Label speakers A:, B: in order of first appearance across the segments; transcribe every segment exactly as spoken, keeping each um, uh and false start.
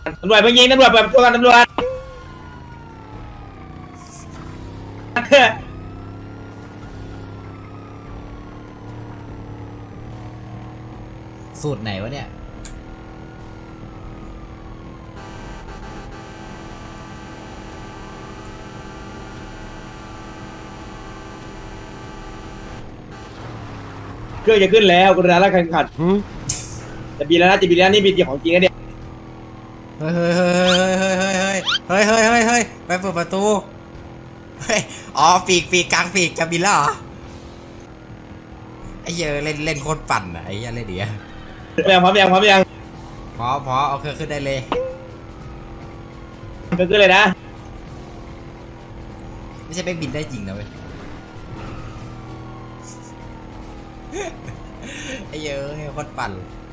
A: ตำรวจเพิ่งยิงตำรวจเปิดประตูกันตำรวจ
B: สูตรไหนวะเนี่ย
A: เครื่องจะขึ้นแล้วกรุณาละแข่งขันจะบินแล้วนะจะบินแล้วนี่บินของจริงนะเนี่ย
B: เฮ้ยเฮ้ยเฮ้ยเฮ้ยเฮ้ยเฮ้ยเฮ้ยเฮ้ยเฮ้ยไปเปิดประตูเฮ้ยอ๋อปีกปีกกลางปีกจะบินแล้วเหรอไอ้เหี้ยเล่นเล่นโคตรปั่นอะไอ้เหี้ยเล่นเดี๋ยว
A: พร้อมยังพร้อมยังพร้อมยัง
B: พอพอเอาเครื่องขึ้นได้เลย
A: ก็ขึ้นเลยนะ
B: ไม่ใช่ไปบินได้จริงนะเว้ยไอ้เหี้ยเอ้ยโคตรปั่น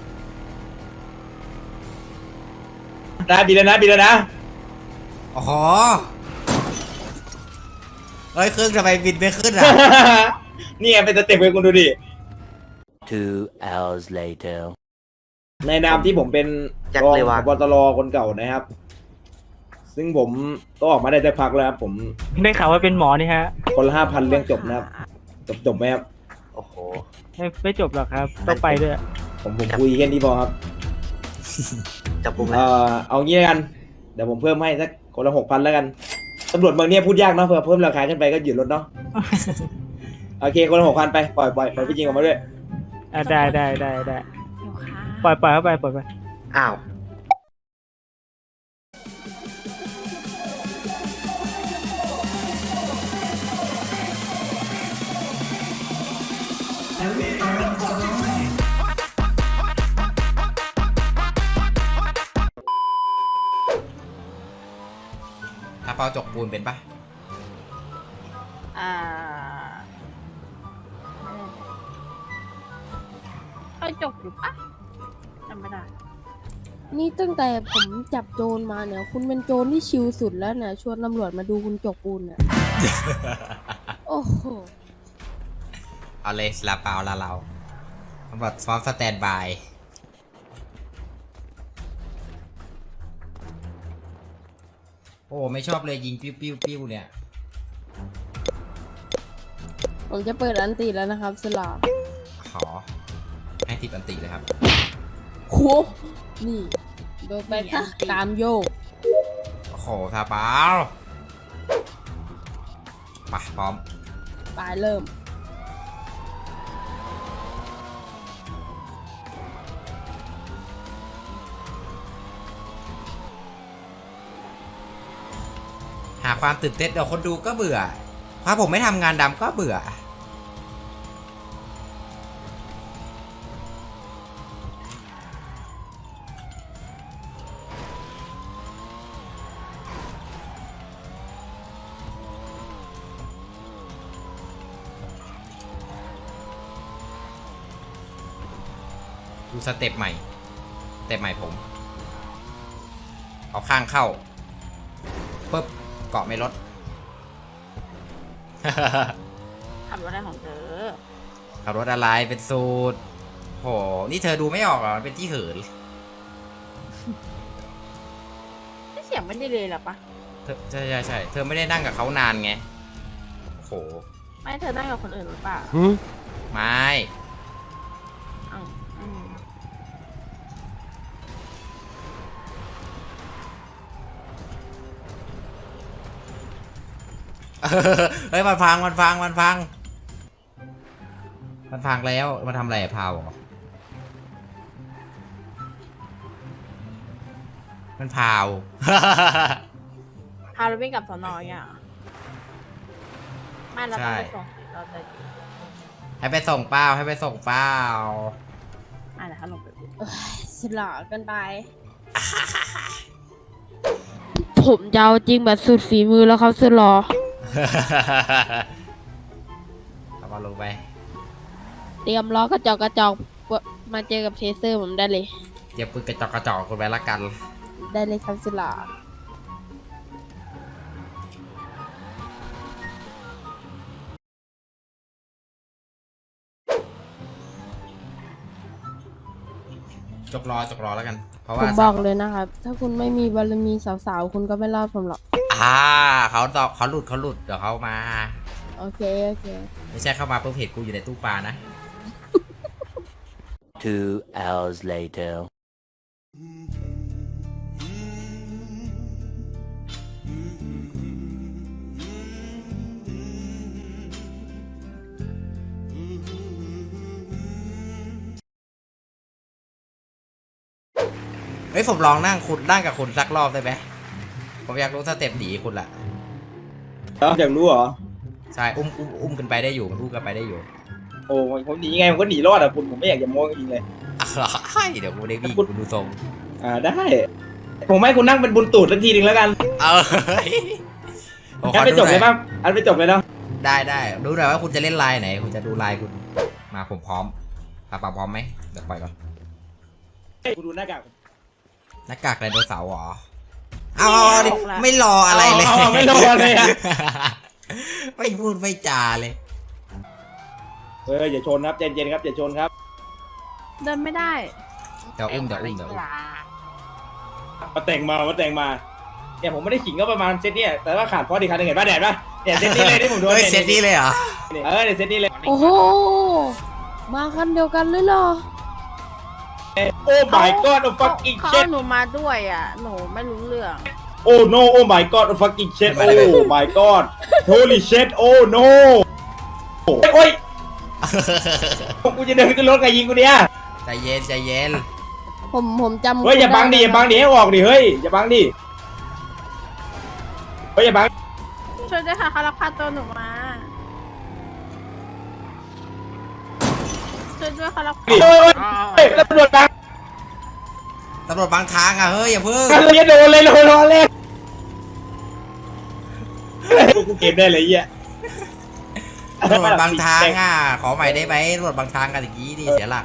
A: นะบินแล้วนะบินแล้วนะ
B: อ๋อเฮ้ยเครื่องทำไมบินไม่ขึ้นอ่ะ
A: นี่ไงเป็นสเต็ปเลยคุณดูดิ
C: Two hours later.
A: ในนามที่ผมเป็น
D: จัก
A: รอง
D: เลย
A: ผ
D: วะ
A: บตรคนเก่านะครับ ซึ่งผมก็ออกมาได้สักพักแล้วครับผม
E: ได้ข่าวว่าเป็นหมอนี่ฮะ
A: คนละห้าพันเรื่องจบนะครับ จบจบไหมครับ
D: โอ้โห
E: ไม่ไม่จบหรอกครับต้องไปด้วย
A: ผมผมคุยแค่นี้พอครับ
D: จับกุมเล
A: เอ่
D: ย
A: อเอางี้แล้วกัน เดี๋ยวผมเพิ่มให้สักคนละหกพันแล้วกันตำรวจเมืองเนี้ยพูดยากเนาะเผื่อเพิ่มราคาขึ้นไปก็หยุดรถเนาะ โอเคคนละหกพันไปปล่อยปล่อยปล่อยพี่จริงออกมาด้วย
E: อ่ะได้ได้ได้ได้ปล่อยปล่อยเข้าไปปล่อยไป
D: อ้าว
B: ถ้าเปาจกปูนเป็นปะ
F: อ่าไม่ได้จบอยู่ปะจำไม่ได้
G: นี่ตั้งแต่ผมจับโจรมาเนี่ย คุณเป็นโจรที่ชิลสุดแล้วเนี่ยชวนตำรวจมาดูคุณจกปูนเนี่ย โอ้โห
B: เอาเลยลาเปาลาเราตำรวจซ้อมสแตนบายโอ้ไม่ชอบเลยยิงปิ้วปิ้วปิ้วเนี่ย
G: ผมจะเปิดอันตีแล้วนะครับสลา
B: ขอให้ทิปอันติเลยครับ
G: โหนี่โดนไปค่ะตามโยก
B: โอ้โหทาเปาไปพร้อม
G: ไปเริ่ม
B: หาความตื่นเต้นเดี๋ยวคนดูก็เบื่อถ้าผมไม่ทำงานดำก็เบื่อดูสเต็ปใหม่สเต็ปใหม่ผม เอาข้างเข้าปึ๊บเกาะไม่ลด
F: ขับรถได้ของเธอ
B: ขับรถอะไรเป็นสูตรโหนี่เธอดูไม่ออกเหรอมันเป็นที่เหิน
F: ไม่เสียงไม่ได้เลยหรอปะ
B: เธอใช่ใช่ใช่เธอไม่ได้นั่งกับเขานานไงโห
F: ไม่เธอนั่งกับคนอื่นหรือเปล่า
B: ไม่
F: อ้าวอืม
B: เฮ้ยมันพังมันพังมันพังมันพังแล้วมันทำอะไรอะพาวเหรอมันพาว
F: พาเราวิ่งกลับสอนออย่างไม่เราต้องไปส่งเราจะ
B: ให้ไปส่งเป้าให้ไปส่งเป้า
F: อ่าเดี๋ยวเขาลงไปดู
G: สลากันไป ผมจะเอาจริงแบบสุดฝีมือแล้วครับสลอ
B: เอามาลงไป
G: เตรียมล้อกระจอกกระจอกมาเจอกับเทเซอร์ผมได้เลย
B: เดี๋ยวปืนกระจอกกระจอกคนไว้ละกัน
G: ได้เลยครับสลา
B: จกรอจกรอแล้วกัน พราะ
G: ผ
B: ว่าม
G: บอกเลยนะครับ ถ้าคุณไม่มีบารมีสาวๆ คุณก็ไม่รอดผมหรอก
B: อ่าเขาตอบเขาหลุดเขาหลุดเดี๋ยวเขามา
G: โอเค โอเค
B: ไม่ใช่เข้ามาปุ๊บเห็นกูอยู่ในตู้ปลานะ
C: Two hours later.
B: เฮ้ยผมลองนั่งคุณนั่งกับคุณสักรอบได้ไหมผมอยากรู้สเต็ปหนีคุณละ
A: แล้วอยากรู้เหรอ
B: ใช่อุ้มอุ้มอุ้มกันไปได้อยู่มันอุ้มกันไปได้อยู่
A: โอ้ผมหนีไงผมก็หนีรอดอ่ะคุณผมไม่อยากจะโม้จริงๆเลย
B: อ่ะเดี๋ยวกูได้วิ่งกูดูทรง
A: อ่าได้ ผมให้คุณนั่งเป็นบุญตูดสักทีหนึ่งแล้วกัน
B: เออเฮ้ยผมข
A: งั้
B: อน
A: ไป
B: ดู
A: จบ
B: หน่
A: เล
B: อย
A: ยป่ะอันไปจบเลยเนาะ
B: ได้ได้ดูหน่อยว่าคุณจะเล่นลายไหนคุณจะดูลายคุณมาผมพร้อมปาปาพร้อมไหมเดี๋ยวปล่อยก่อน
A: คุณดูหน้ากาก
B: หน้ากากไดโนเสาร์เหรอเอาเอาเอาดิไม่รออะไรเลย
A: าาไม่รอเลยอ่ะ
B: ไม่พูดไม่จาเลย
A: เอออย่าชนครับใจเย็นๆครับอย่าชนครับ
F: เดินไม่ได้
B: เดี๋ยวอุ้มเดี๋ยวอุ้มเดี๋ยวอุ้ม
A: มาแต่งมามาแต่งมาเนี่ยผมไม่ได้ขิงก็ประมาณเซตเนี่ยแต่ว่าขาดพอดีคันหนึ่งเห็นป่ะแดดป่ะเนี่ยเซตนี้เลยที่ผมโดน
B: เฮ้ยเซตนี้เลยเหรอ
A: เออเนี่ยเซตนี้เลย
G: โอ้โห มาคันเดียวกันเลยเหรอ
A: โอ้ my god oh
F: เขา
A: fucking
F: เขา
A: shit
F: เอาหนูมาด้วยอ่ะ หนูไม่รู้เรื่อง
A: โอ้ no oh my god oh fucking shit โอ้ my god holy shit oh no โอ้ยกูจะเดินขึ้นรถไงยิงกูเนี่ย
B: ใจเย็นใจเย็น
G: ผมผมจำ
A: เฮ้ยอย่าบังดิอย่าบังดิให้ออกดิเฮ้ยอย่าบังดิเฮ้ยอย่าบัง
F: ช่วยด้วยค่ะเขาลักพาตัวหนูมา ช่วยด้วยเขาลักพา
A: ดิเฮ้ยเฮ้ยตำรวจบัง
B: ตำรวจบางทางอ่ะเฮ้ยอย่าเพิ่ง
A: กันเลยโดนเลยโดนรอเลยกูเก็บได้เลยเหี้ย
B: ตำรวจบางทางอ่ะขอใหม่ได้ไหมตำรวจบางทางกันอย่างนี้ดิเสียหลัก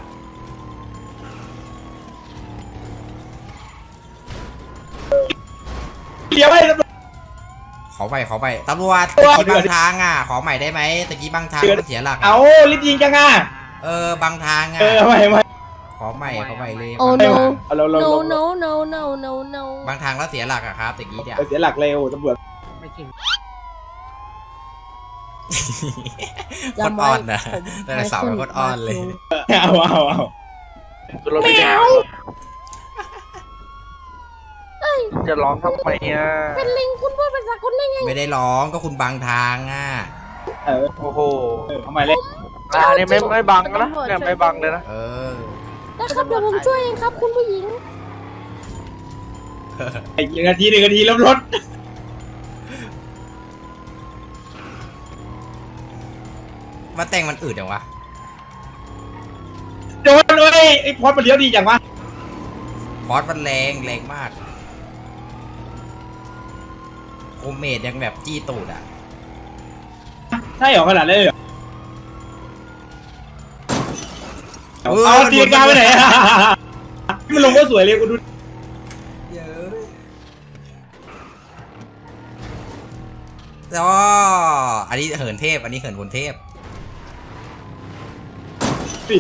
A: เดี๋ยวไอ้ตำรวจ
B: ขอใหม่ขอใหม่ตำรวจ
A: ตำรวจ
B: ตะกี้บางทางอ่ะขอใหม่ได้ไหมตะกี้บางทางมันเสียหลักอะ
A: เอารีบยิงจังอ่ะ
B: เออบางทางอ่ะ
A: เออไม่ไม่
B: ขอใหม่ขอใหม่เลย
G: โอ้
A: ไม่
G: no
A: เอาเราเรา
G: no
A: เรา
G: no no no no no
B: บางทางแล้วเสียหลักอะครับตะกี้เนี่ย
A: เสียหลักเลยโอ้ตำรวจ
B: โคตรอ่อนนะแต่ละสาวเป็นโคตรอ่อนเลย
A: เอาเอาเอา
D: แมวจะร้องทำไมอ่ะ
G: เป็นลิงคุณพูดภาษาคนได้ไง
B: ไม่ได้ร้องก็คุณบางทางอ่ะ
A: เออ
D: โอ้โห
A: ทำไมเล่น
D: อ่านี่ไม่ไม่บังนะเนี่ยไม่บังเลยนะ
B: เออ
G: นะครับเดี๋ยวผมช่วยเองครับคุณผู้หญิง
A: อีกหนึ่งนาทีหนึ่งนาทีล้มรถ
B: มาแต่งมันอืดอย่างวะ
A: โดนเลยไอ้พอดมันเลี้ยวดีจังวะ
B: บอสมันแรงแรงมากโคเมดยังแบบจี้ตูดอ่ะ
A: ใช่เหรอขนาดนั้นเลยเหรอ
B: เออ
A: เอาตีกาไปไหนอะมันลงก็สวยเลยกูดู
B: เยอะแล้วก็อันนี้เหินเทพอันนี้เหินคนเทพ
A: สิ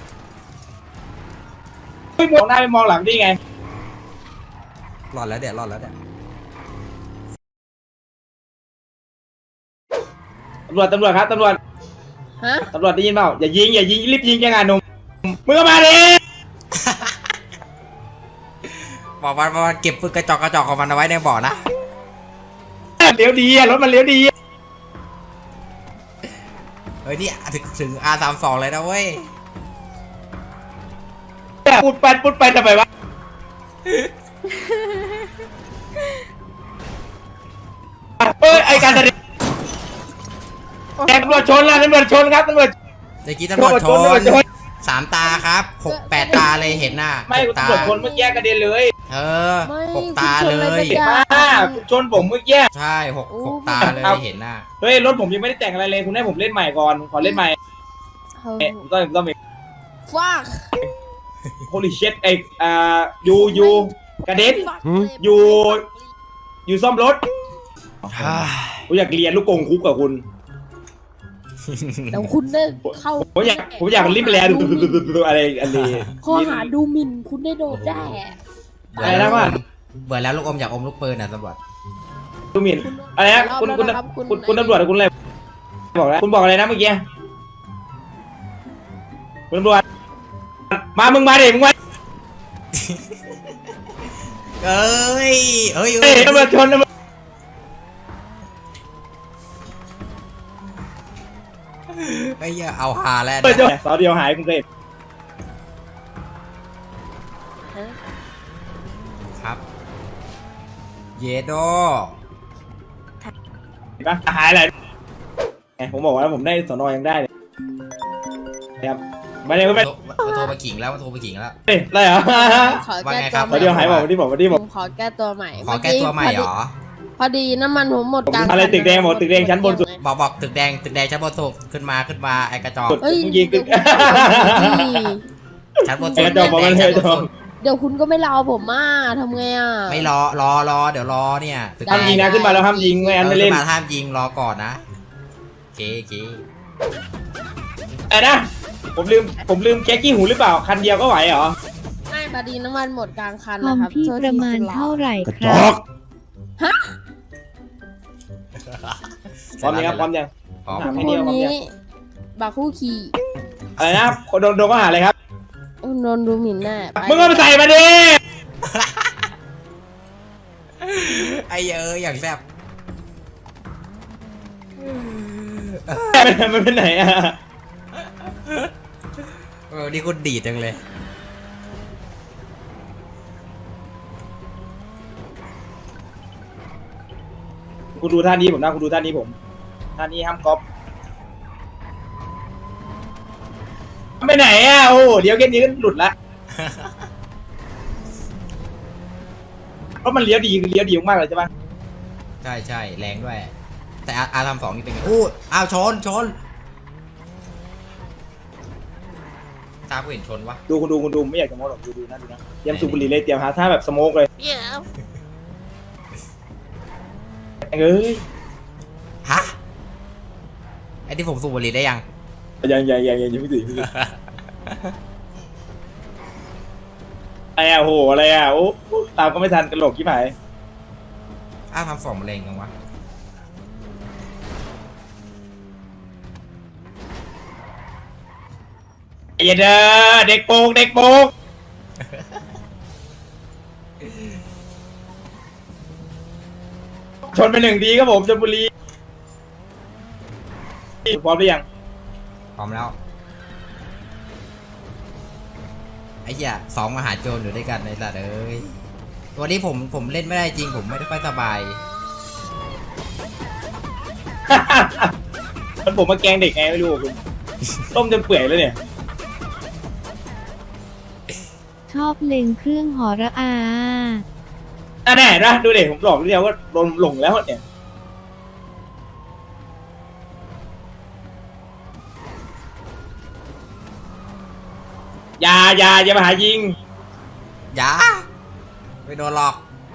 A: ไม่มองหน้าไม่มองหลังได้ไง
B: รอดแล้วเดี๋ยวรอดแล้วเดี๋ยว
A: ตำรวจตำรวจครับตำรวจ
G: ฮะ
A: ตำรวจได้ยินเปล่าอย่ายิงอย่ายิงรีบยิงยังไงหนุ่มมึงก็มาดิ
B: บอกมันบอกมันเก็บปืนกระจอกกระจอกของมันเอาไว้ในบ่อนะ
A: เลี้ยวดีอะรถมันเลี้ยวดี
B: เฮ้ยนี่ถึงถึง อาร์ สามสิบสอง เลยนะเว้ย
A: ปุดไปปุดไปทำไมวะเอ้ยไอการแสดงแกตำรวจชนแล้วตำรวจชนครับตำรวจ
B: เมื่อกี้ตำรวจช
A: ตำรวจช
B: น
A: น
B: สามตาครับหกแปดตาเลยเห็นหน้า
A: ไม่
B: หกตา
A: ตำรวจชนเมื่อกี้กระเด็นเลย
B: เออ
G: ไม่
B: หกตา
G: คุณชน
B: เล
G: อะไร
B: ย
G: กัน
A: ป้าชนผมเมื่อกี้
B: ใช่หก
G: โอ้
B: หกตาเลย
A: ครับ
B: เห็นหน้า
A: เฮ้ยรถผมยังไม่ได้แต่งอะไรเลยคุณให้ผมเล่นใหม่ก่อนผมขอเล่นใหม่
G: เฮ้ย
A: เอ๊ะผมต้องผมต้องมี
G: ฟัก
A: holy shit ไออ่ายูยูกระเด็น อยู่ อยู่ซ่อมรถผมอยากเรียนลูกกงคุกกับคุณ
G: เดี๋ยวคุณได้เข้า
A: ผมอยากผมอยากรีบแลดูอะไรอะไร
G: ข้อหาดูหมิ่นคุณได้โดนแน่
B: เบื่
A: อะไร
B: อแล้ว
A: นะว่า
B: เบื่อแล้วลูกอมอยากอมลูกปืนอ่ะตำรวจ
A: ดูหมิ่นอะไรนะคุณคุณคุณคุณตำรวจคุณอะไรบอกแล้วคุณบอกอะไรนะเมื่อกี้คุณตำรวจมามึงมาดิมึงมา
B: เอ้ยเอ้ย
A: เฮ้ยตำรวจชนตำรวจ
B: ไอ้เหี้ยเอาฮาแล้ว
A: ชน
B: เนี่ย
A: สาวเดียวหายคุณเคย
B: ครับ เยโด
A: เห็นปะหายอะไรไงผมบอกว่าผมได้สอนอยังได้เลยนะครับไม่ได้ไม่
B: มันโทรมาขิงแล้วมันโทรมาขิงแล้ว
A: เฮ้ยอะไรเหรอ
G: ขอ
B: ว่า
G: แก้
B: ไงค
G: ตั
B: รั
G: ว
B: บ
G: ให
A: สาวเดียวหายบอก
G: ม่
A: วันที่บอกวันที่บ
G: ผ
A: อก
G: มขอแก้ตัวใหม่
B: ขอแก้ตัวใหม่เหรอ
G: พอดีน้ำมันผมหมดกลาง
A: อะไรตึกแดงบอกตึกแดงชั้นบนสุด
B: บอกบอกตึกแดงตึกแดงชั้นบนสุดขึ้นมาขึ้นมาไอ้กระจอก
A: สุด
G: เอ้ย
A: มึงยิงตึก
B: ชั้นบน
A: ไอ้
B: สุ
A: ก
B: ด
A: ระจอกบอกมันเลย
B: ชั้นบนสุด
G: เดี๋ยวคุณก็ไม่รอผมมาทำไงอ่ะ
B: ไม่รอรอรอเดี๋ยวรอเนี่ยตึก
A: ห้าม
B: แด
A: ยิงนะขึ้นมาแล้วห้ามยิงไม่งั้นไม่เล่น
B: ขึ้นมาห้ามยิงรอก่อนนะเก๋เก๋
A: ไอ้นะผมลืมผมลืมแก๊กกี้หูหรือเปล่าคันเดียวก็ไหวเหรอ
G: ไม่พอดีน้ำมันหมดกลางคัน
H: คอ
G: นะ
H: ม
G: ครับ
H: พี่
G: โทษ
H: ประ
G: ที
H: มาณ
G: คุณรอ
H: เท่าไหร่
A: กระ
H: ค
A: จ
H: รั
A: อบ กพร้อมยังครับพร้อมยัง
B: พร้อม
A: อ่ะ
G: คนนี้บักคู่ขี่
A: อะไรนะโดนโดนก็หาอะไรครับ
G: โดนดูหมิ่นแน่ไป
A: มึงเอาไปใส่มาดิ
B: ไอ้เอออย่างแซ่บ
A: มันเป็นไหนอ่ะ
B: เออนี่คุณดีดจังเลย
A: คุณดูท่านี้ผมนะคุณดูท่านี้ผมท่านี้ห้ามก๊อปไปไหนอ่ะโอ้เดี๋ยวแค่นี้ก็หลุดละเพราะมันเลี้ยวดีคือเลี้ยวดีมากเลยใช่ปะ
B: ใช่ใช่แรงด้วย แต่อาอาทำสองนี่เป็นไงอู้อ้าวชนชนตากูเห็นชนวะ
A: ดูคุณดูคุณดูไม่อยากจะโม้หรอกดูดูนะดูนะเตรียมสูบบุหรี่เลยเตรียมหาท่าแบบสโมกเลยเอ้ย
B: ฮะไอ้ที่ผมสูบบุหรี่ได้ยัง
A: ยังยังยังยังยังไม่ถึงไม่ถึงอะไรอ่ะโหอะไรอ่ะโอ้ตามก็ไม่ทันกระโหลกที่ไหน
B: อ้าวทำสองมันแรงจังวะ
A: ไอ้เด้อเด็กโปกเด็กโปกชนไปหนึ่งทีครับผมชลบุรีพร้อมหรือยัง
B: พร้อมแล้วไอ้เหี้ยสองมหาโจรอยู่ด้วยกันในสัตว์เอ้ยวันนี้ผมผมเล่นไม่ได้จริงผมไม่ได้ค่อยสบาย
A: มันผมมาแกล้งเด็กไงไม่รู้คุณต้มจนเปื่อยแล้วเนี่ย
H: ชอบเล็งเครื่องหอระอา
A: อ่ะแน่นะดูเด็กผมบอกเดียวว่าโดนหลงแล้วเนี่ยอย่าอย่าอย่ามาหายิง
B: อย่าไม่โดนหรอก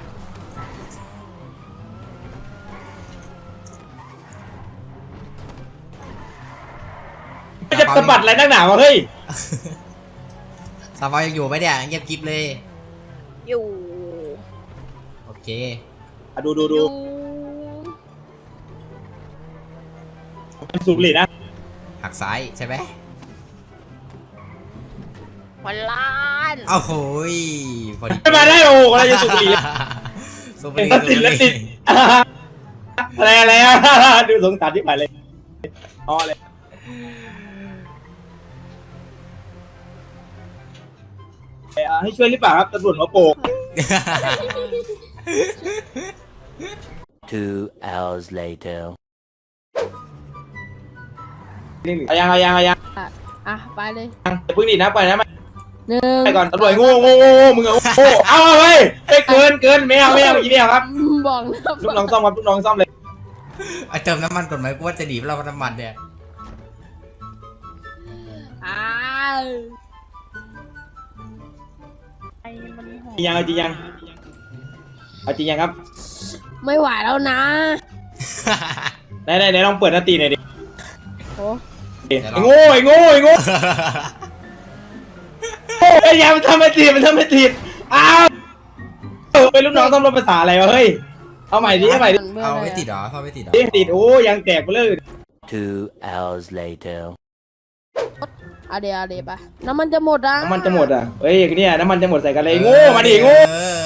A: ไม่จะสะบัดอะไรนักหนาวะเฮ้ย
B: สาวยังอยู่ไหมเนี่ยเงียบกริบเลย
F: อยู่
B: โอเค
A: อ่ะดูดูดู
F: อยู่
A: สูบบุหรี่นะ
B: หักซ้ายใช่ไหม
F: วันล้าน
B: อ้าวโหยพอดี
A: ไม่มาได้โอ้อะไรจะสูบบุหรี่เลย
B: สูบบุหรี่
A: แล้วติดแล้วติดอะไรอะไรอ่ะดูสงสารที่ผ่านเลยอ๋อเลยเอ่อให้ช่วยหรือเปล่าครับตำรวจหัวโปก
C: Two hours later.
A: เอายังเอายังเอายัง
G: อ่ะไปเลย
A: อย่าเพิ่งดีนะปล่อยนะมา
G: หนึ่ง
A: ไปก่อนตำรวจโง่โง่โง่มึงอะโง่เอาเอาเฮ้ยเฮ้ยเกินเกินไม่เอาไม่เอาอย่างนี้ไม่เอาครับ
G: บอกนะ
A: ลูกน้องซ่อมครับลูกน้องซ่อมเลย
B: ไอเติมน้ำมันก่อนไหมกูว่าจะหนีเราน้ำมันเนี่ย
G: อ้าว
F: ไอ้มันโห
A: จริงยังเอาจริงยังเอาจริงยังครับ
G: ไม่ไหวแล้วนะ
A: ไหนไหนไหนลองเปิดหน้าตีหน่อยดิ
G: โอ้
A: ไอ้โง่ไอ้โง่ไอ้โง่ไอ้ยามันทำไม่ติดมันทำไม่ติดอ้าวเฮ้ยลูกน้องต้องรถภาษาอะไรวะเฮ้ยเอาใหม่ดิเอาใหม่ดิ
B: เอาไม่ติดเหรอเข้าไม่ติดเหรอ
A: ติดโอ้ยังแตกไปเลย
C: Two hours later.
G: อะเดี๋ยวอะเดี๋ยวไปน้ำมันจะหมดอ่ะ
A: น้ำมันจะหมดอ่ะเฮ้ยเนี่ยน้ำมันจะหมดใส่กันเลยโง่มาดิโง่
B: เออ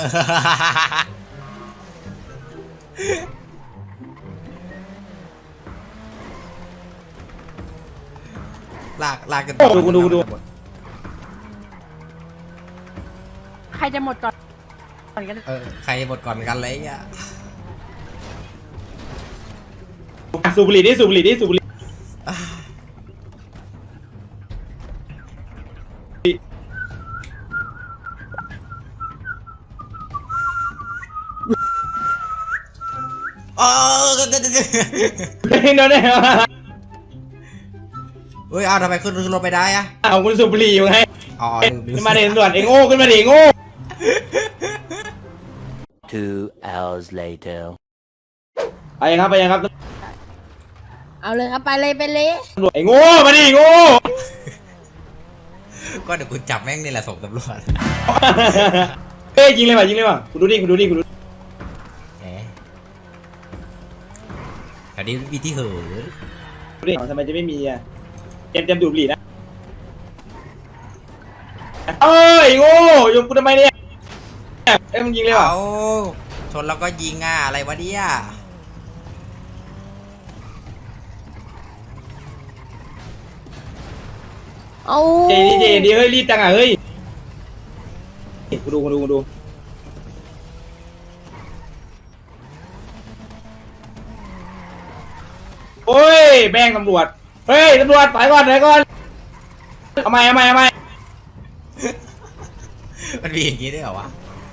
B: ลากลากกัน
A: ดูกูดูกูดู
F: ใครจะหมดก่อนก่อนกัน
B: เออใครหมดก่อนกันเลยอ่ะ
A: สูบบุหรี่ดิสูบบุหรี่ดิสูบบุหรี่
B: โอ้
A: เฮ้ยโน่นเนี่ย
B: เฮ้ยเอาทำไมขึ้นขึ้นรถไปได้อะ
A: เอาคุณสูบบุหรี่อยู่ไง
B: อ๋อลืมลื
A: ขึ้นมาเดินด่วนไอ้โง่ขึ้นมาดิโง่
C: Two hours later.
A: ไปยังครับไปยังครับ
G: เอาเลยครับไปเลยไปเลย
A: ตำรวจไอ้โง่มาดิโง่
B: ก็เดี๋ยวกูจับแม่งนี่แหละส่งตำรวจ
A: เฮ้ยยิงเลยว่ะยิงเลยว่ะคุณดูดิคุณดูดิคุณดูดิ
B: แหมแถวนี้มีที่เหือ
A: ทำไมจะไม่มีอ่ะเจมส์เจมส์ดูดบุหรี่นะเอ้ยโง่ยงกูทำไมเนี่ยเอ้ยมึงยิงเลยว่ะ
B: เอาชนแล้วก็ยิงอ่ะอะไรวะเนี่ย
G: เอา
A: เจดีเจดีเฮ้ยรีบจังอ่ะเฮ้ยกูดูกูดูกูดูโอ้ยแบงตำรวจเฮ้ยตำรวจไปก่อนไปก่อนทำไมทำไมทำไม
B: มันมีอย่างนี้ด้วยเหรอวะ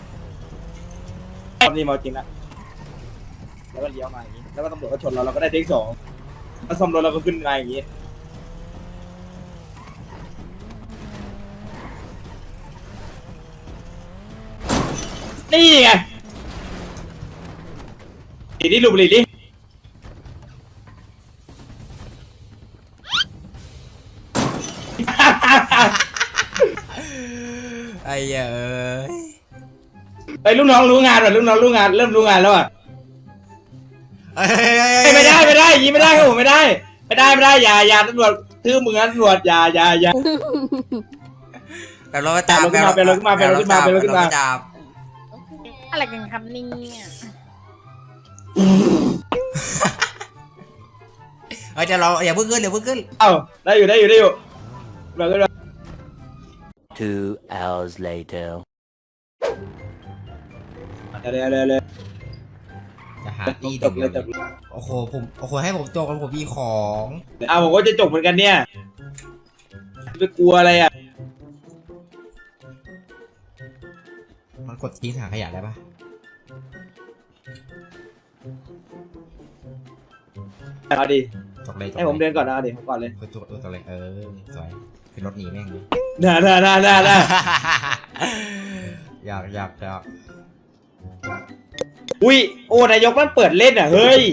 A: ตอนนี้มาจริงนะแล้วก็เลี้ยวมาอย่างนี้แล้วก็ตำรวจก็ชนเราเราก็ได้เทคสองแล้วซ่อมรถเราก็ขึ้นมาอย่างนี้นี่ไงดีดิลูบลีดิ
B: ไอ้เหี้ยเอ้ย
A: ไอ้ลูกน้องรู้งานว่ะลูกน้องรู้งานเริ่มรู้งานแล้วอ่ะ
B: เอ้ย
A: เฮ้ยไม่ได้ไม่ได้ยิงไม่ได้ครับผมไม่ได้ไม่ได้ไม่ได้อย่าอย่าตำรวจทื่อมึงนะตำรวจอย่าอย่าอย่า
B: แบบรถจับ
A: ไปรถขึ้นมาไปรถขึ้นมาไปรถขึ้นมา
B: จับ
F: อะไรกันครับเนี่ย
B: เฮ้ยเดี๋ยวเราอย่าเพิ่งขึ้นเดี๋ยวเพิ่งขึ้น
A: เอ้าได้อยู่ได้อยู่ได้อยู่เราก็
C: Two hours later.
A: เดี๋ยวเดี๋ยวเดี๋ยวเดี๋ยว
B: จะหาตี
A: จ
B: เด็
A: บ
B: ก
A: เลยจบ
B: เลยโอ้โหผมโอ้โหให้ผมจบกันผมมีของ
A: เอาผมก็จะจบเหมือนกันเนี่ยไปกลัวอะไรอ่ะ
B: มันกดทิ้งถังขยะได้ปะ
A: เอาดิ
B: จบเลยจบ
A: ให้ผมเดินก่อนนะเอาดิผมก่อนเลย
B: กดจบตัวเลยเออสวยขึ้นรถหนีแม่งเลย
A: ได้ได้ได้ได้ได้
B: อยากอยากอยาก
A: อุ้ยโอ้นายกมันเปิดเล่นอ่ะเฮ้ย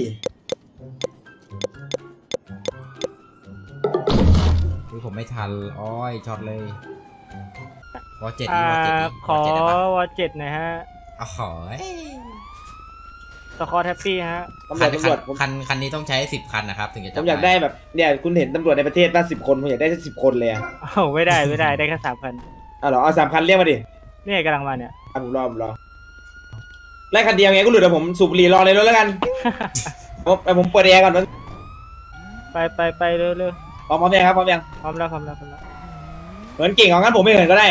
B: อุ๊ยผมไม่ทันอ้อยช็อตเลยวอเจ็ด
E: อ่า
B: นี่วอเจ็ดนี่
E: ขอ
B: วอเจ็ดได้ปะ
E: วอเจ็ดหนะฮะ
B: อ๋อหอย
E: สกอร์แฮปปี้ฮะ
A: ตำร
B: คั
A: วน จตำรวจผม
B: คันคันนี้ต้องใช้สิบคันนะครับถึงจะ
A: ผ
B: จับ
A: มอยากได้แบบเนี่ยคุณเห็นตำรวจในประเทศตั้งสิบคนผมอยากได้สักสิบคนเลยอ่ะ
E: โอ้ไม่ได้ไม่ได้ได้แค่สามพัน
A: เอาเหรอเอาสามคันเรียกมาดิ
E: เนี่ยกำลังมาเนี่ย
A: อ่ะผมรอผมรอไล่คันเดียวไงก็หลุดเดี๋ยวผมสูบบุหรี่รอเลยแล้วกันผมไปผมเปิดแอร์ก่อนมัน
E: ไปไปไปเร็วเร็ว
A: พร้อมพร้อมยังครับพร้อมยัง
E: พร้อมแล้วพร้อมแล้วพร้อมแล้ว
A: เหมือนเก่งของงั้นผมไม่เหินก็ได้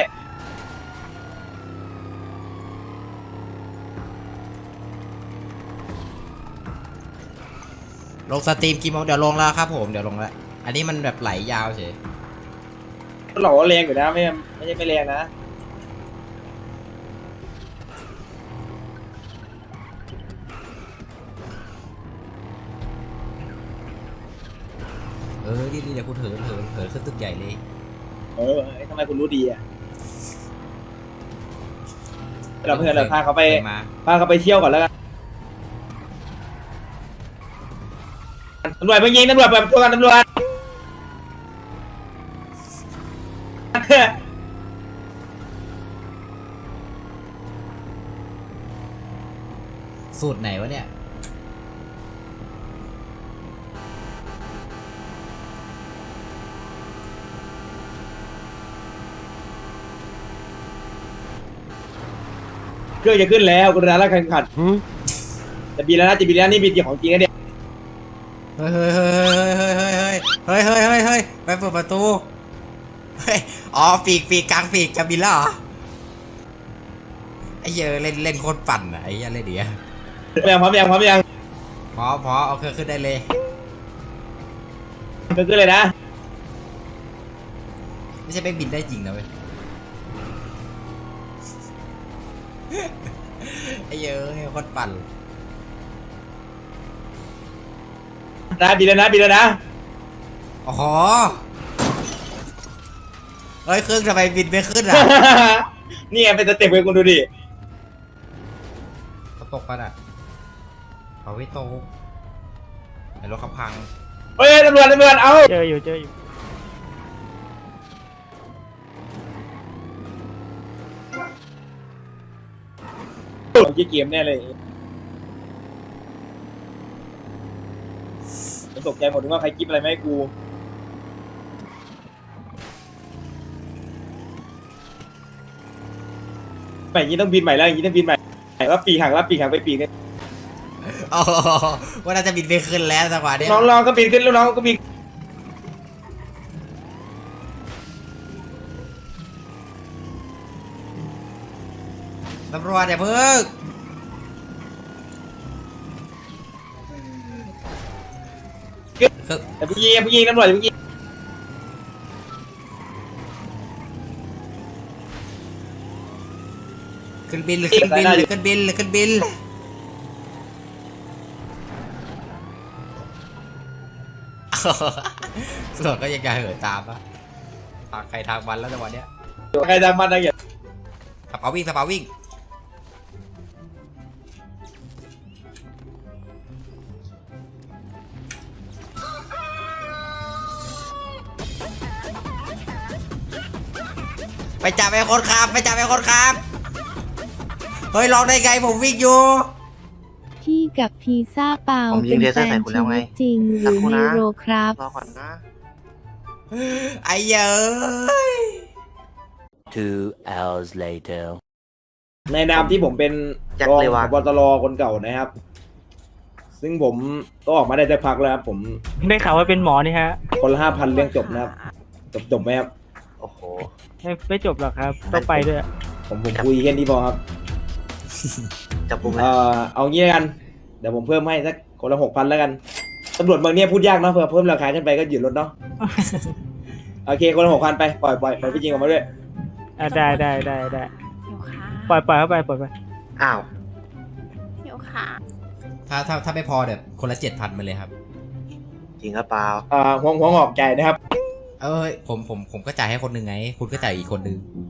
B: ลงสตรีมกี่โมงเดี๋ยวลงแล้วครับผมเดี๋ยวลงแล้วอันนี้มันแบบไหลยาวเฉย
A: หล่อแรงอยู่นะไม่ไม่ใช่ไม่แรงนะ
B: เออดีดีเดี๋ยวกูเถินเถินเถินขึ้นตึกใหญ่เลย
A: เออทำไมคุณรู้ดีอ่ะเราเพื่อนเราพาเขาไป
B: มา
A: พาเขาไปเที่ยวก่อนแล้วกันตำรวจเพิ่งยิงตำรวจเปิดประตูกันตำรวจ
B: สูตรไหนวะเนี่ย
A: เครื่องจะขึ้นแล้วกรุณาละแข่งขันจะบินแล้วนะจะบินแล้วนี่บินของจริงนะเนี่ย
B: เฮ้ยเฮ้ยเฮ้ยเฮ้ยเฮ้ยเฮ้ยเฮ้ยเฮ้ยไปเปิดประตูเฮ้ยอ๋อปีกปีกกลางปีกจะบินแล้วเหรอไอ้เหี้ยเล่นเล่นโคตรปั่นอะไอ้เหี้ยเล่นเดียว
A: พร้อมยังพร้อมยัง
B: พอพอเอาเครื่องขึ้นได้เลย
A: เครื่องขึ้นเลยนะ
B: ไม่ใช่ไปบินได้จริงนะเว้ยไอ้เหี้ยเอ้ยโคตรปั่น
A: นะบินแล้วนะบินแล้วนะ
B: อ๋อเฮ้ยเครื่องทำไมบินไม่ขึ้นอ่ะ
A: นี่ไงเป็นสเต็ปเลยคุณดูดิ
B: เขาตกปะน่ะเขาไม่ตกไอ้รถเขาพัง
A: เฮ้ยตำรวจตำรวจเอา
E: เจออยู่เจออยู่
A: ผมจะเกมแน่เลยผมตกใจหมดถึงว่าใครกิ๊บอะไรไม่ให้กูใหม่อย่างนี้ต้องบินใหม่แล้วอย่างนี้ต้องบินใหม่ว่าปีกหักแล้วปีกหักไปปีกเนี่ย
B: โอ้ว่าน่าจะบินไปขึ้นแล้วจังหวะเนี้ย
A: น้องลองก็บินขึ้นแล้วน้องก็บิน
B: ตำรวจอย่าเพิ่งคือ
A: แต่พี่ยิงพี่ยิงตำรวจพี่ยิง
B: ขึ้นบินหรือขึ้นบินหรือขึ้นบินหรือขึ้นบินตำรวจก็ยังจะเหินตามปะทางใครทางมันแล้วจังหวะเนี้ย
A: ใครทำมันนะอย่า
B: สปาวิ่งสปาวิ่งไปจับไอ้คนขับไปจับไอ้คนขับเฮ้ยลองได้ไงผมวิ่งอยู่
H: พี่กับพีซ่าเปา
D: ผมยิ
H: เป็
D: ง
H: น
D: เลเซ
H: แฟ
D: อร์ใส่
H: น
D: คุณ
H: ชี
D: แล้วไง
H: วิตจริงห
D: สั
H: รื
D: ก
H: อ
D: ครู่
H: ใน
D: นะ
H: โรครับ
D: รอก่อนนะ
B: ไอ้เย้ย
C: Two hours later.
A: ในนามที่ผมเป็น
D: แจ็ค
A: รอง
D: เลยวะ
A: ผบตรคนเก่านะครับ ซึ่งผมก็ออกมาได้สักพักแล้วครับผม
E: ได้ข่าวว่าเป็นหมอนี่ฮะ
A: คนละห้าพันเรื่องจบนะครับ จบจบไหมครับ
D: โอ้โห
E: ไม่ไม่จบหรอกครับ ต้องไปด้วย
A: ผมผมคุยแค่นี้พอครับ
D: จับปุ่ม
A: เอ่อเอางี้แล้วกัน เดี๋ยวผมเพิ่มให้สักคนละหกพันแล้วกันตำรวจเมืองเนี้ยพูดยากเนาะเผื่อเพิ่มราคาขึ้นไปก็หยุดรถเนาะ โอเคคนละหกพันไปปล่อยปล่อยปล่อยพี่จริงออกมาด้วย
E: อ่ะได้ได้ได้ได้
F: หิวขา
E: ปล่อยปล่อยเข้าไปปล่อยไป
D: อ้าว
F: หิวขา
B: ถ้าถ้าถ้าไม่พอเดี๋ยวคนละเจ็ดพันไปเลยครับ
D: จริงหรือเปล่า
A: อ่าหัวหัวงอกใจนะครับ
B: เอ้ยผมผมผมก็จ่ายให้คนหนึ่งไง คุณก็จ่ายอีกคนหนึ่ง